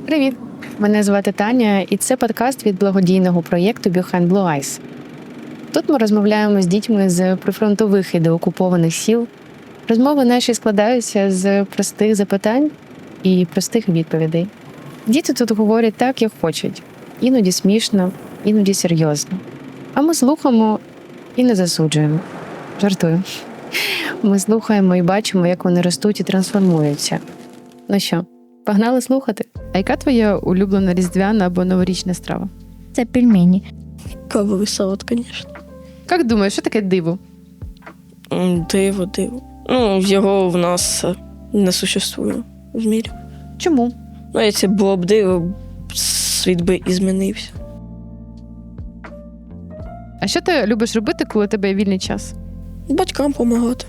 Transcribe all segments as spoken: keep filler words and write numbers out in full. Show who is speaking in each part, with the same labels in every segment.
Speaker 1: Привіт! Мене звати Таня, і це подкаст від благодійного проєкту Behind Blue Eyes. Тут ми розмовляємо з дітьми з прифронтових і деокупованих сіл. Розмови наші складаються з простих запитань і простих відповідей. Діти тут говорять так, як хочуть. Іноді смішно, іноді серйозно. А ми слухаємо і не засуджуємо. Жартую. Ми слухаємо і бачимо, як вони ростуть і трансформуються. Ну що, погнали слухати? А яка твоя улюблена різдвяна або новорічна страва?
Speaker 2: Це пельмені.
Speaker 3: Кавовий салат, звісно.
Speaker 1: Як думаєш, що таке диво?
Speaker 3: Диво, диво. Ну, його в нас не существує в мірі.
Speaker 1: Чому?
Speaker 3: Ну, якщо було б диво, світ би і змінився.
Speaker 1: А що ти любиш робити, коли у тебе є вільний час?
Speaker 3: Батькам допомагати.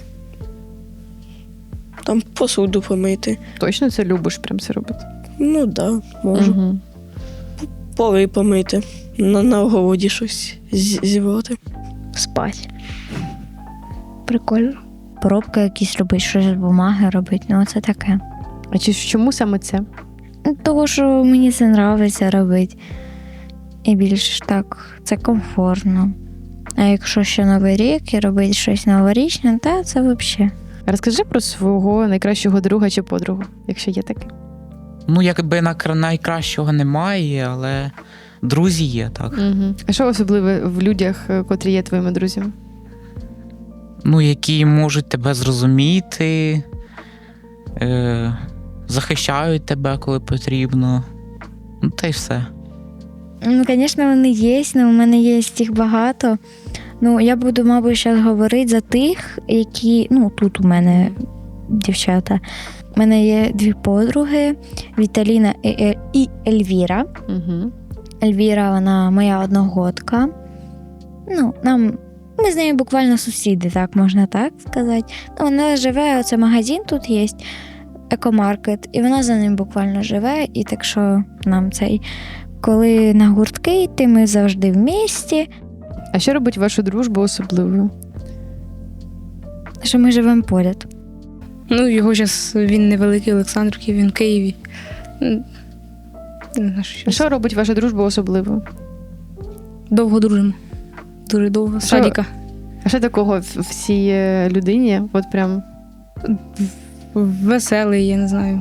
Speaker 3: Там посуду помити.
Speaker 1: Точно це любиш прям це робити?
Speaker 3: Ну, так, да, можу.
Speaker 1: Угу.
Speaker 3: Поли помити. На, на огороді щось з- зібрати.
Speaker 2: Спать. Прикольно. Поробки якісь робити, щось з бумаги робити, ну це таке.
Speaker 1: А чи чому саме це?
Speaker 2: Ну, того, що мені це подобається робити. І більш так, це комфортно. А якщо ще Новий рік і робити щось новорічне, то це взагалі.
Speaker 1: Розкажи про свого найкращого друга чи подругу, якщо є таке.
Speaker 4: Ну, якби на- найкращого немає, але друзі є, так.
Speaker 1: Угу. А що особливе в людях, котрі є твоїми друзями?
Speaker 4: Ну, які можуть тебе зрозуміти, е- захищають тебе, коли потрібно. Ну, та й все.
Speaker 2: Ну, звісно, вони є, але у мене є їх багато. Ну, я буду, мабуть, зараз говорити за тих, які, ну, тут у мене дівчата. У мене є дві подруги, Віталіна і, Е- і Ельвіра.
Speaker 1: Угу.
Speaker 2: Ельвіра, вона моя одногодка. Ну, нам, ми з нею буквально сусіди, так, можна так сказати. Ну, вона живе, оце магазин тут є, екомаркет, і вона за ним буквально живе, і так що нам цей, коли на гуртки йти, ми завжди в місті,
Speaker 1: А що робить вашу дружбу особливою?
Speaker 2: що ми живемо поряд.
Speaker 5: Ну, його зараз він невеликий Олександрівки, він в Києві. М, Не знаю, що
Speaker 1: А що робить вашу дружбу особливою?
Speaker 5: довго дружимо. Дуже довго. З
Speaker 1: Що-
Speaker 5: садика.
Speaker 1: А що такого в в цій е, людині? От прям
Speaker 5: Веселий, я не знаю.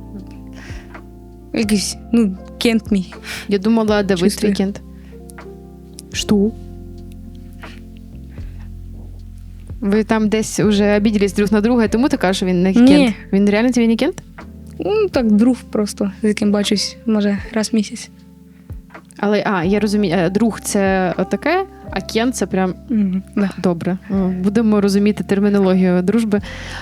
Speaker 5: Якийсь, ну, кент мій.
Speaker 1: я думала, Давид
Speaker 5: Чувствую.
Speaker 1: Вікенд. Що? Ви там десь вже обіділись друг на друга, і тому ти кажеш, що він не
Speaker 5: Ні.
Speaker 1: кент? Він реально тобі не кент?
Speaker 5: Ну, так, друг просто, з яким бачусь, може, раз в місяць.
Speaker 1: Але, а, я розумію, е, друг це отаке, а кент це прям
Speaker 5: Угу, да.
Speaker 1: добре. О, будемо розуміти термінологію дружби.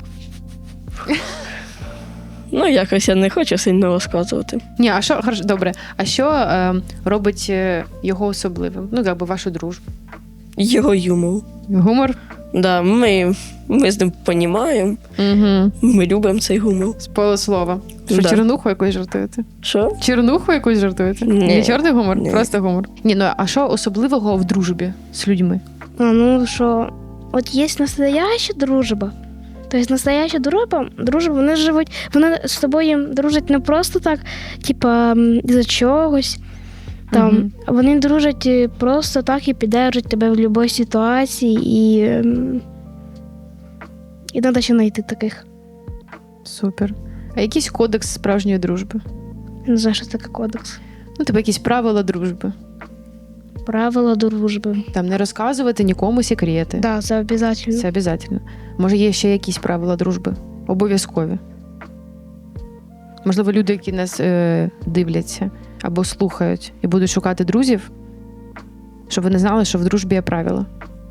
Speaker 3: Ну, якось я не хочу сильно розказувати.
Speaker 1: Ні, а що, хорошо, добре, а що е, робить е, його особливим? Ну, якби вашу дружбу.
Speaker 3: Його юмор.
Speaker 1: Гумор?
Speaker 3: Да, ми, ми з ним понімаємо,
Speaker 1: Угу.
Speaker 3: ми любимо цей гумор.
Speaker 1: З полуслова. Що,
Speaker 3: Да.
Speaker 1: чернуху якусь жартуєте?
Speaker 3: Що?
Speaker 1: Чернуху якусь жартуєте?
Speaker 3: Ні.
Speaker 1: Не чорний гумор?
Speaker 3: Ні.
Speaker 1: Просто гумор. Ні, ну а що особливого в дружбі з людьми?
Speaker 6: А, ну що, от є настояща дружба. Тобто настояща дружба, дружба, вони живуть, вони з тобою дружать не просто так, типа м, за чогось. Там,
Speaker 1: Мгм.
Speaker 6: Вони дружать е, просто так і піддержать тебе в будь-якій ситуації, і, ем, і треба ще знайти таких.
Speaker 1: Супер. А якийсь кодекс справжньої дружби?
Speaker 6: Я не знаю, що таке кодекс.
Speaker 1: Ну, тебе якісь правила дружби.
Speaker 6: Правила дружби.
Speaker 1: Там не розказувати нікому секрети.
Speaker 6: Так, да, це обов'язково.
Speaker 1: Це обов'язково. Може, є ще якісь правила дружби? Обов'язкові. Можливо, люди, які нас е, дивляться або слухають і будуть шукати друзів, щоб вони знали, що в дружбі є правила.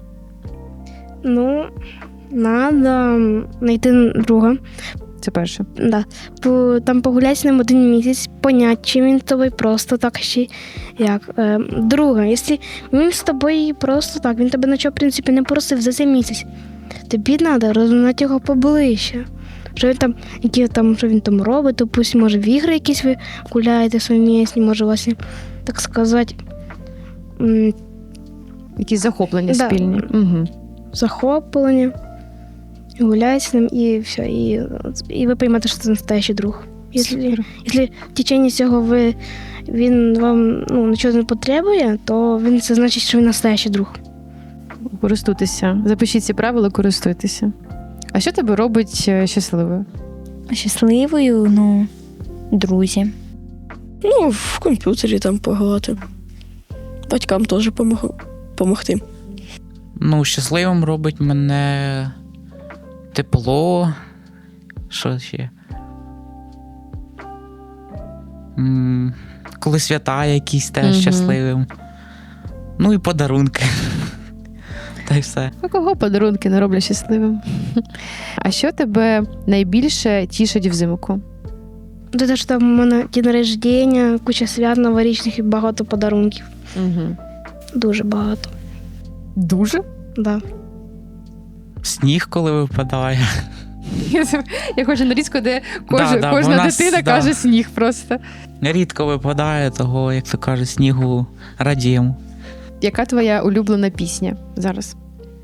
Speaker 6: Ну, треба знайти друга.
Speaker 1: Це перше.
Speaker 6: Да. По, там погуляти з ним один місяць, поняти, чи він з тобою просто так, чи як. Е, друге, якщо він з тобою просто так, він тебе нічого, в принципі, не просив за цей місяць, тобі треба розуміти його поближче. Що він там, які там, що він там робить, допустим, може в ігри якісь ви гуляєте совмісні, може у вас, є, так сказати, м,
Speaker 1: Якісь захоплення
Speaker 6: Да.
Speaker 1: спільні. Угу.
Speaker 6: захоплення, гуляєте з ним і все, і, і ви поймете, що це настоящий друг. Якщо,
Speaker 1: Супер.
Speaker 6: якщо в течение цього ви, він вам ну, нічого не потребує, то він це значить, що він настоящий друг.
Speaker 1: Користуйтеся. Запишіть ці правила, користуйтеся. А що тебе робить е, щасливою?
Speaker 2: Щасливою, ну, друзі.
Speaker 3: Ну, в комп'ютері там пограти. Батькам теж помог... помогти.
Speaker 4: Ну, щасливим робить мене тепло. Що ще? М, Коли свята якісь теж
Speaker 1: Мгм.
Speaker 4: щасливим. Ну і подарунки. Та й все.
Speaker 1: А кого подарунки не роблять щасливим? А що тебе найбільше тішить взимку?
Speaker 6: Те, що там у мене день рождення, куча свят новорічних і багато подарунків.
Speaker 1: Угу.
Speaker 6: Дуже багато.
Speaker 1: Дуже?
Speaker 6: Да.
Speaker 4: Сніг, коли випадає.
Speaker 1: Я хочу нарізку, де
Speaker 4: Да,
Speaker 1: кожа,
Speaker 4: да,
Speaker 1: кожна
Speaker 4: у нас,
Speaker 1: дитина
Speaker 4: да.
Speaker 1: каже сніг просто.
Speaker 4: Рідко випадає, того, як то кажуть, снігу радіємо.
Speaker 1: Яка твоя улюблена пісня зараз?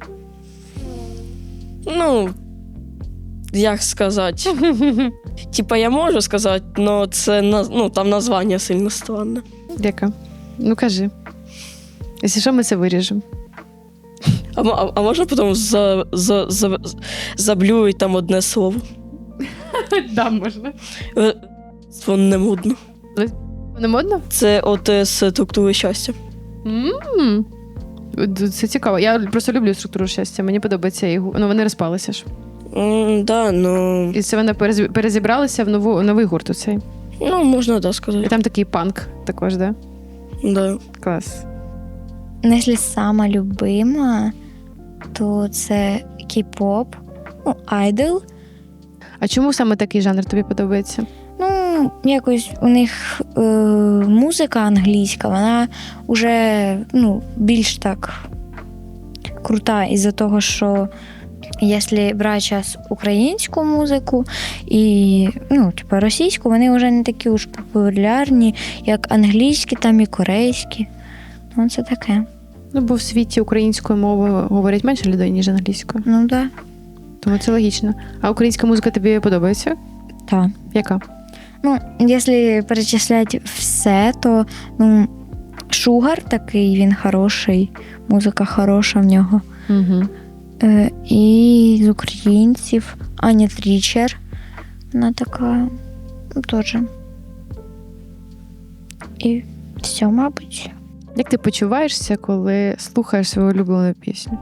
Speaker 3: Ну, як сказати? Типа я можу сказати, але це наз- ну, там названня сильно странне.
Speaker 1: Яка? Ну кажи. Якщо що, ми це виріжемо.
Speaker 3: А, м- а, а можна потім за, за, за, заблюють там одне слово?
Speaker 1: Да, можна.
Speaker 3: Е, Воно не модно.
Speaker 1: Не модно?
Speaker 3: Це от е, з структури щастя.
Speaker 1: М. Це цікаво. Я просто люблю структуру щастя. Мені подобається і гу- ну, вони розпалися ж.
Speaker 3: М, да, ну,
Speaker 1: І це вони перез- перезібралися в нову, новий гурт оцей.
Speaker 3: ну, можна да
Speaker 1: І
Speaker 3: сказати.
Speaker 1: там такий панк також, да?
Speaker 3: Да.
Speaker 1: Клас.
Speaker 2: Ну, якщо сама любима, то це кей-поп, ну, айдол.
Speaker 1: А чому саме такий жанр тобі подобається?
Speaker 2: Ну, якось у них е, музика англійська, вона вже ну, більш так крута із-за того, що якщо брати зараз українську музику і ну, типу, російську, вони вже не такі уж популярні, як англійські там і корейські. Ну, це таке.
Speaker 1: Ну, бо в світі українською мовою говорять менше людей, ніж англійською.
Speaker 2: Ну, так. Да.
Speaker 1: Тому це логічно. А українська музика тобі подобається?
Speaker 2: Так.
Speaker 1: Яка?
Speaker 2: Ну, якщо перечисляти все, то ну, Шугар такий, він хороший, музика хороша в нього.
Speaker 1: Угу.
Speaker 2: Е, і з українців Аня Трічер. Вона така ну, теж. І все, мабуть.
Speaker 1: Як ти почуваєшся, коли слухаєш свою улюблену пісню?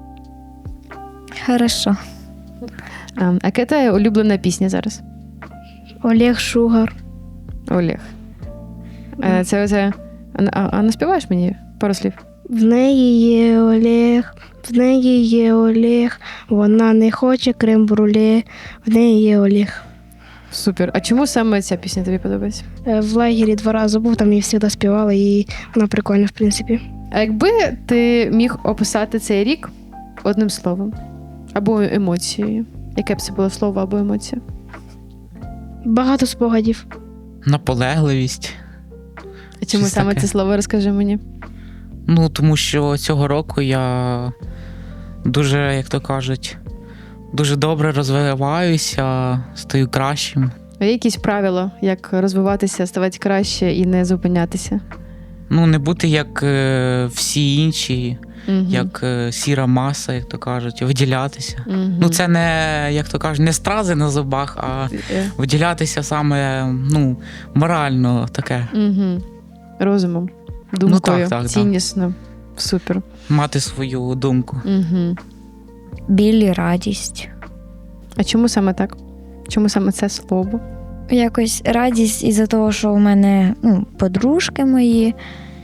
Speaker 2: Хорошо.
Speaker 1: А, а яка твоя улюблена пісня зараз?
Speaker 6: Олег Шугар.
Speaker 1: Олег. А, це, це... А, а, а наспіваєш мені пару слів?
Speaker 6: В неї є Олег, в неї є Олег, вона не хоче крем-бруле, в неї є Олег.
Speaker 1: Супер. А чому саме ця пісня тобі подобається?
Speaker 6: Е, В лагері два рази був, там її завжди співала, і вона прикольна, в принципі.
Speaker 1: А якби ти міг описати цей рік одним словом або емоцією, яке б це було слово або емоція?
Speaker 6: Багато спогадів.
Speaker 4: Наполегливість.
Speaker 1: А чому
Speaker 4: Щось
Speaker 1: саме
Speaker 4: таке.
Speaker 1: це слово, розкажи мені?
Speaker 4: Ну, тому що цього року я дуже, як то кажуть, дуже добре розвиваюся, стаю кращим.
Speaker 1: А є якісь правила, як розвиватися, ставати краще і не зупинятися?
Speaker 4: Ну, не бути як е, всі інші,
Speaker 1: Угу.
Speaker 4: як е, сіра маса, як то кажуть, виділятися.
Speaker 1: Угу.
Speaker 4: Ну, це не, як то кажуть, не стрази на зубах, а виділятися саме, ну, морально таке.
Speaker 1: Угу. Розумом, думкою,
Speaker 4: Ну, так, так,
Speaker 1: ціннісно. Супер.
Speaker 4: Мати свою думку.
Speaker 1: Угу.
Speaker 2: Біль і радість.
Speaker 1: А чому саме так? Чому саме це слово?
Speaker 2: Якось радість із-за того, що у мене ну, подружки мої.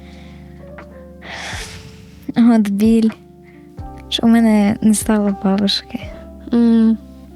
Speaker 2: От біль. Що у мене не стало бабушки.
Speaker 1: М,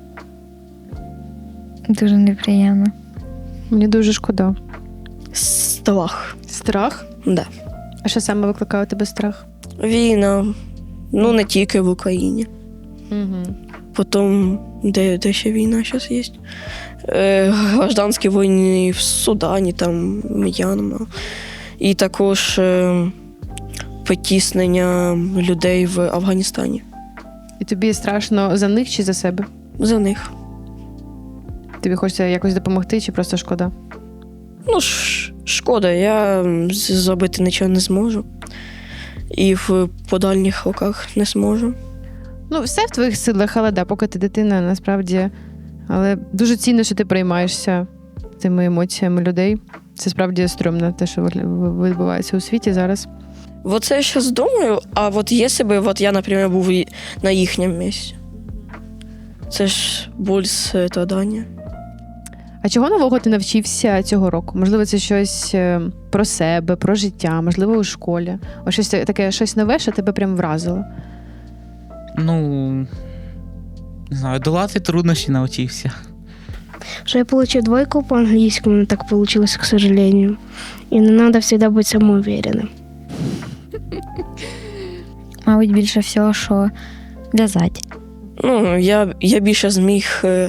Speaker 2: Дуже неприємно.
Speaker 1: Мені дуже шкода.
Speaker 3: Страх.
Speaker 1: Страх?
Speaker 3: Да.
Speaker 1: А що саме викликає у тебе страх?
Speaker 3: Війна. Ну, не тільки в Україні.
Speaker 1: Угу.
Speaker 3: Потім, де, де ще війна зараз є? Е, гражданські війни в Судані, там, М'янма. І також е, потіснення людей в Афганістані.
Speaker 1: І тобі страшно за них чи за себе?
Speaker 3: За них.
Speaker 1: Тобі хочеться якось допомогти чи просто шкода?
Speaker 3: Ну, ш- шкода, я м, з- зробити нічого не зможу. І в подальних роках не зможу.
Speaker 1: Ну, все в твоїх силах, але да, поки ти дитина, насправді. Але дуже цінно, що ти приймаєшся цими емоціями людей. Це справді стрьомно, те, що вигля- відбувається у світі зараз.
Speaker 3: Вот це я зараз думаю, а от якщо б от я, наприклад, був і на їхньому місці. Це ж боль страдання.
Speaker 1: А чого нового ти навчився цього року? Можливо, це щось е, про себе, про життя, можливо, у школі. Ось щось таке, щось нове, що тебе прям вразило.
Speaker 4: Ну, не знаю, долати труднощі навчився.
Speaker 6: Что я получил двойку по английскому, но так получилось, к сожалению. И не надо всегда быть самоуверенным.
Speaker 2: Мабуть, більше всього, що в'язати.
Speaker 3: Ну, я, я більше зміг е,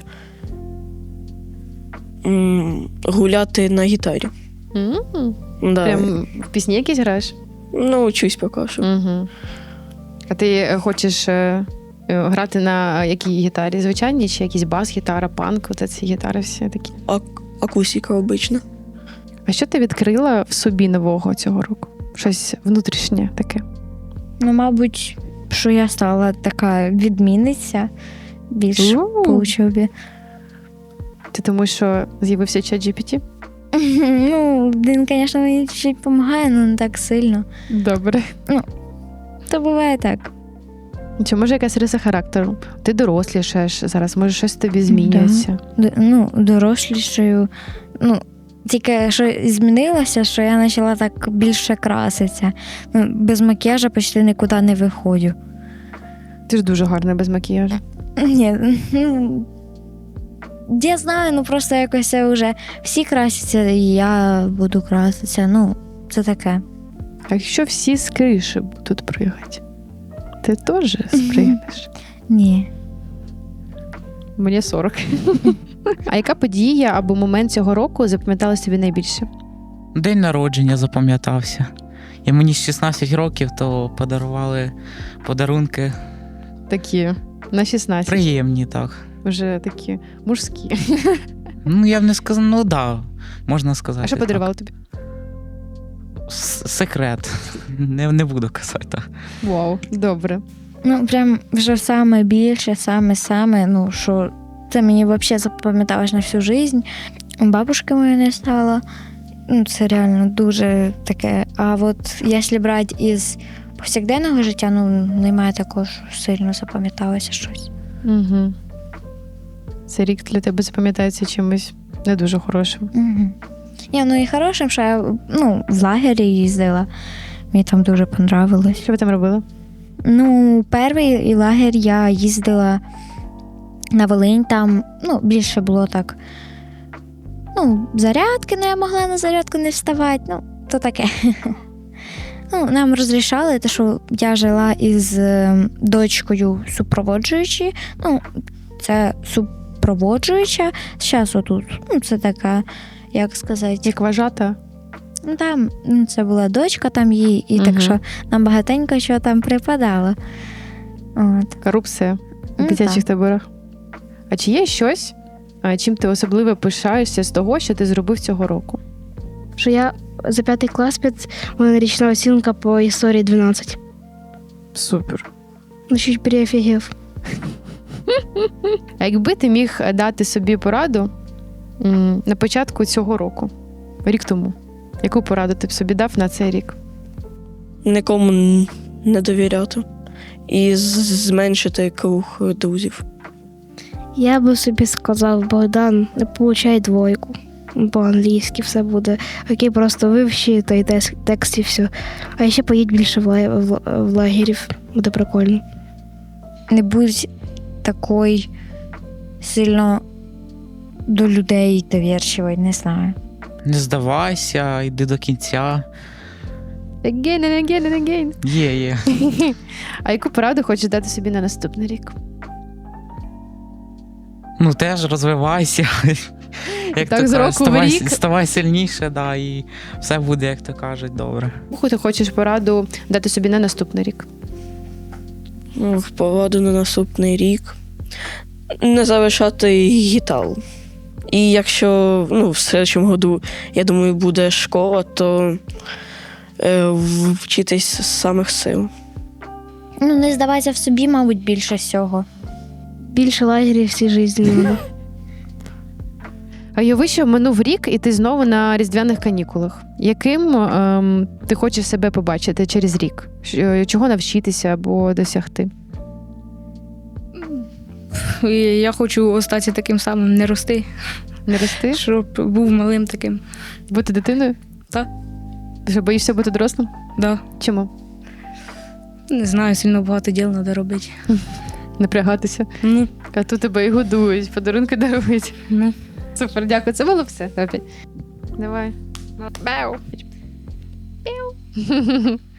Speaker 3: м, гуляти на гітарі.
Speaker 1: М,
Speaker 3: Да.
Speaker 1: Прям в пісні якісь граєш?
Speaker 3: Ну, учусь поки що.
Speaker 1: Угу. А ти е, хочеш е, е, грати на якій гітарі? Звичайній чи якийсь бас-гітара, панк? Оце ці гітари всі такі.
Speaker 3: Ак- акустика обична.
Speaker 1: А що ти відкрила в собі нового цього року? Щось внутрішнє таке.
Speaker 2: Ну, мабуть, що я стала така відмінниця більш
Speaker 1: У.
Speaker 2: по учобі.
Speaker 1: Ти тому, що з'явився чат джі пі ті?
Speaker 2: Ну, він, звісно, мені чуть допомагає, але не так сильно.
Speaker 1: Добре.
Speaker 2: То буває так.
Speaker 1: Чи може якась риса характеру? Ти дорослішаєш зараз, може щось в тобі змінюється.
Speaker 2: Д- ну, дорослішою. Ну, тільки що змінилося, що я почала так більше краситися. Ну, без макіяжу почти нікуди не виходжу.
Speaker 1: Ти ж дуже гарна без макіяжу.
Speaker 2: Ні, ну, я знаю, ну просто якось вже всі красяться, і я буду краситися. Ну, це таке.
Speaker 1: А якщо всі з криші будуть пригати, ти теж спригнеш?
Speaker 2: Ні.
Speaker 1: Мені сорок. А яка подія або момент цього року запам'яталась тобі найбільше?
Speaker 4: День народження запам'ятався. І мені з шістнадцять років, то подарували подарунки
Speaker 1: Такі на шістнадцять.
Speaker 4: приємні, так.
Speaker 1: Вже такі мужські.
Speaker 4: Ну, я б не сказав, ну так, да, можна сказати.
Speaker 1: А що
Speaker 4: так.
Speaker 1: подарували тобі?
Speaker 4: С- Секрет. Не, не буду казати. Так.
Speaker 1: Вау, добре.
Speaker 2: Ну, прям вже саме більше, саме-саме, ну, що це мені взагалі запам'яталось на всю життя. Бабушки моєї не стало. Ну, це реально дуже таке. А от якщо брати із повсякденного життя, ну, немає такого, що сильно запам'яталося щось.
Speaker 1: Угу. Цей рік для тебе запам'ятається чимось не дуже хорошим.
Speaker 2: Угу. Ні, ну і хорошим, що я ну, в лагері їздила. Мені там дуже понравилось.
Speaker 1: Що ви там робили?
Speaker 2: Ну, перший лагерь я їздила на Волинь, там ну, більше було так. Ну, зарядки, ну я могла на зарядку не вставати, ну, то таке. Ну, нам розрішали, те, що я жила із е, дочкою супроводжуючою. Ну, це супроводжуюча. Зараз отут, ну, це така, як сказати,
Speaker 1: Як вважата?
Speaker 2: ну, там ну, це була дочка там їй, і
Speaker 1: Мгм.
Speaker 2: так що нам багатенько що там припадало. От.
Speaker 1: Корупція в
Speaker 2: Ну,
Speaker 1: дитячих
Speaker 2: так.
Speaker 1: таборах. А чи є щось, а, чим ти особливо пишаєшся з того, що ти зробив цього року?
Speaker 6: Що я за п'ятий клас під у мене річна оцінка по історії дванадцять.
Speaker 1: Супер.
Speaker 6: Ну, чуть переофігів.
Speaker 1: А якби ти міг дати собі пораду м, на початку цього року, рік тому, яку пораду ти б собі дав на цей рік?
Speaker 3: Нікому н- не довіряти. І з- зменшити круг друзів.
Speaker 6: Я би собі сказав, Богдан, не получай двойку. По-англійськи все буде. Окей, просто вивчи той текст, текст і все. А ще поїдь більше в, ла- в, ла- в лагерів. Буде прикольно.
Speaker 2: Не будь такий сильно до людей довірчивий, не знаю.
Speaker 4: Не здавайся, йди до кінця.
Speaker 1: Again and again and again.
Speaker 4: Є, є.
Speaker 1: А яку пораду хочеш дати собі на наступний рік?
Speaker 4: Ну, теж розвивайся. Як
Speaker 1: Так,
Speaker 4: то
Speaker 1: з
Speaker 4: кажуть,
Speaker 1: року в
Speaker 4: ставай,
Speaker 1: рік.
Speaker 4: ставай сильніше, да, і все буде, як то кажуть, добре.
Speaker 1: Яку ти хочеш пораду дати собі на наступний рік?
Speaker 3: Ну, в пораду на наступний рік. Не залишати гітару. І якщо ну, в слідчому году, я думаю, буде школа, то е, вчитись з самих сил.
Speaker 2: Ну, не здавайся в собі, мабуть, більше всього.
Speaker 6: Більше лагерів всій житті не буде.
Speaker 1: А уяви, що минув рік, і ти знову на різдвяних канікулах. Яким ем, ти хочеш себе побачити через рік? Що- Чого навчитися або досягти?
Speaker 5: І я хочу остатися таким самим, не рости,
Speaker 1: Не рости?
Speaker 5: щоб був малим таким.
Speaker 1: Бути дитиною?
Speaker 5: Так.
Speaker 1: Ти що, боїшся бути дорослим?
Speaker 5: Да.
Speaker 1: Чому?
Speaker 5: Не знаю, сильно багато діл треба робити.
Speaker 1: Напрягатися.
Speaker 5: Ну,
Speaker 1: А тут тебе і годують, подарунки дарують.
Speaker 5: ну.
Speaker 1: Супер, дякую. Це було все. Давай. Давай. Бау. Бау.